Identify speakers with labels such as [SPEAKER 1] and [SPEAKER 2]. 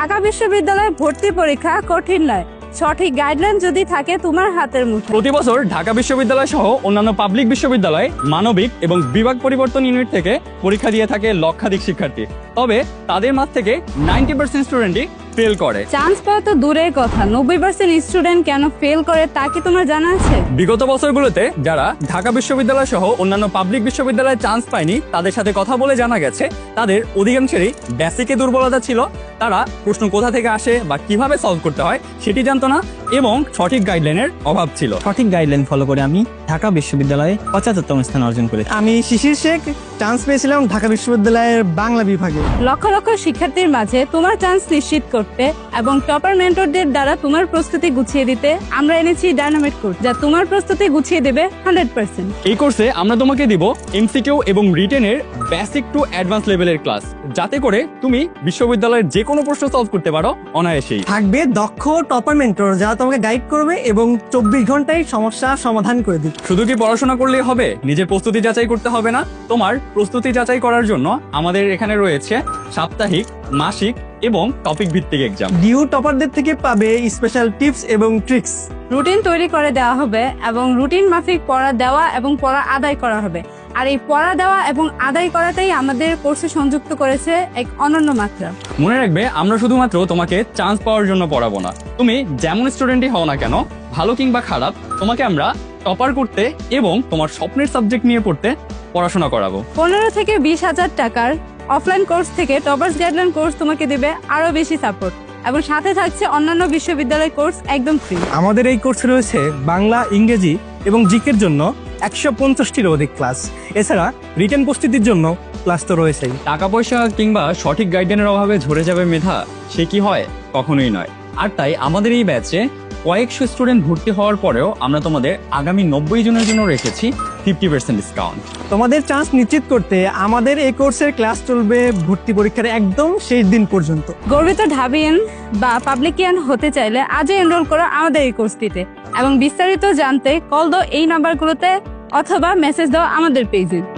[SPEAKER 1] ঢাকা বিশ্ববিদ্যালয়ে ভর্তি পরীক্ষা কঠিন নয়, সঠিক গাইডলাইন যদি থাকে তোমার হাতের মুঠোয়।
[SPEAKER 2] প্রতি বছর ঢাকা বিশ্ববিদ্যালয় সহ অন্যান্য পাবলিক বিশ্ববিদ্যালয় মানবিক এবং বিভাগ পরিবর্তন ইউনিট থেকে পরীক্ষা দিয়ে থাকে লক্ষাধিক শিক্ষার্থী। তবে তাদের মাঝ থেকে 90% স্টুডেন্টই ফেল করে।
[SPEAKER 1] চান্স পাওয়া তো দূরের কথা, 90% স্টুডেন্ট কেন ফেল করে তা কি তোমার জানা আছে?
[SPEAKER 2] বিগত বছরগুলোতে যারা ঢাকা বিশ্ববিদ্যালয় সহ অন্যান্য পাবলিক বিশ্ববিদ্যালয়ে চান্স পায়নি তাদের সাথে কথা বলে জানা গেছে তাদের অধিকাংশেরই বেসিকে দুর্বলতা ছিল। তারা প্রশ্ন কোথা থেকে আসে বা কিভাবে সলভ করতে হয় সেটি জানতো না এবং সঠিক গাইডলাইনের অভাব ছিল।
[SPEAKER 3] সঠিক গাইডলাইন ফলো করে আমি ঢাকা বিশ্ববিদ্যালয়ে 75তম স্থান অর্জন করেছি।
[SPEAKER 4] আমি শিশির শেখ, চান্স পেয়েছিলাম ঢাকা বিশ্ববিদ্যালয়ের বাংলা বিভাগে।
[SPEAKER 1] লক্ষ লক্ষ শিক্ষার্থীর মাঝে তোমার চান্স নিশ্চিত করতে এবং টপার মেন্টরদের দ্বারা তোমার প্রস্তুতি গুছিয়ে দিতে আমরা এনেছি ডায়নামাইট কোর্স, যা তোমার প্রস্তুতি গুছিয়ে দেবে 100%।
[SPEAKER 2] এই কোর্সে আমরা তোমাকে দিব এমসিকিউ এবং রিটেনের বেসিক টু অ্যাডভান্স লেভেলের ক্লাস, যাতে করে তুমি বিশ্ববিদ্যালয়ের যে কোনো প্রশ্ন সলভ করতে পারো অনায়াসেই।
[SPEAKER 4] থাকবে দক্ষ টপার মেন্টর যারা তোমাকে গাইড করবে এবং 24 ঘন্টায় সমস্যা সমাধান করে দিবে।
[SPEAKER 2] শুধু কি পড়াশোনা করলেই হবে? নিজের প্রস্তুতি যাচাই করতে হবে না? তোমার প্রস্তুতি যাচাই করার জন্য আমাদের এখানে রয়েছে সাপ্তাহিক, মাসিক এবং টপিক ভিত্তিক এক্সাম।
[SPEAKER 4] ডিউ টপারদের থেকে পাবে স্পেশাল টিপস এবং ট্রিক্স।
[SPEAKER 1] রুটিন তৈরি করে দেওয়া হবে এবং রুটিন মাফিক পড়া দেওয়া এবং পড়া আদায় করা হবে। আর এই পড়া দেওয়া এবং আদায় করাটাই আমাদের কোর্সে সংযুক্ত করেছে এক অনন্য মাত্রা।
[SPEAKER 2] মনে রাখবে, আমরা শুধুমাত্র তোমাকে চান্স পাওয়ার জন্য পড়াবো না। তুমি যেমন স্টুডেন্টই হও না কেন, ভালো কিংবা খারাপ, তোমাকে আমরা টপার করতে এবং তোমার স্বপ্নের সাবজেক্ট নিয়ে পড়তে পড়াশোনা করাবো।
[SPEAKER 1] 15 থেকে 20,000 টাকার অফলাইন কোর্স থেকে টপার্স গাইডলাইন কোর্স তোমাকে দেবে আরো বেশি সাপোর্ট, এবং সাথে থাকছে অন্যান্য বিশ্ববিদ্যালয় কোর্স একদম ফ্রি।
[SPEAKER 4] আমাদের এই কোর্সে রয়েছে বাংলা, ইংরেজি এবং জিকের জন্য 150টিরও অধিক ক্লাস। এছাড়া রিটেন প্রস্তুতির জন্য ক্লাস তো রয়েছেই।
[SPEAKER 2] টাকা পয়সা কিংবা সঠিক গাইডলাইনের অভাবে ঝরে যাবে মেধা, সে কি হয়? কখনোই নয়। আর তাই আমাদের এই ব্যাচে কয়েকশো স্টুডেন্ট ভর্তি হওয়ার পরেও আমরা তোমাদের আগামী 90 জনের জন্য রেখেছি 50% ডিসকাউন্ট।
[SPEAKER 4] তোমাদের চান্স নিশ্চিত করতে আমাদের এই কোর্সের ক্লাস চলবে ভর্তি পরীক্ষার একদম শেষ দিন পর্যন্ত।
[SPEAKER 1] গর্বিত ঢাবিয়ান বা পাবলিকিয়ান হতে চাইলে আজই এনরোল করো আমাদের এই কোর্সটিতে, এবং বিস্তারিত জানতে কল দাও এই নাম্বারগুলোতে অথবা মেসেজ দাও আমাদের পেজে।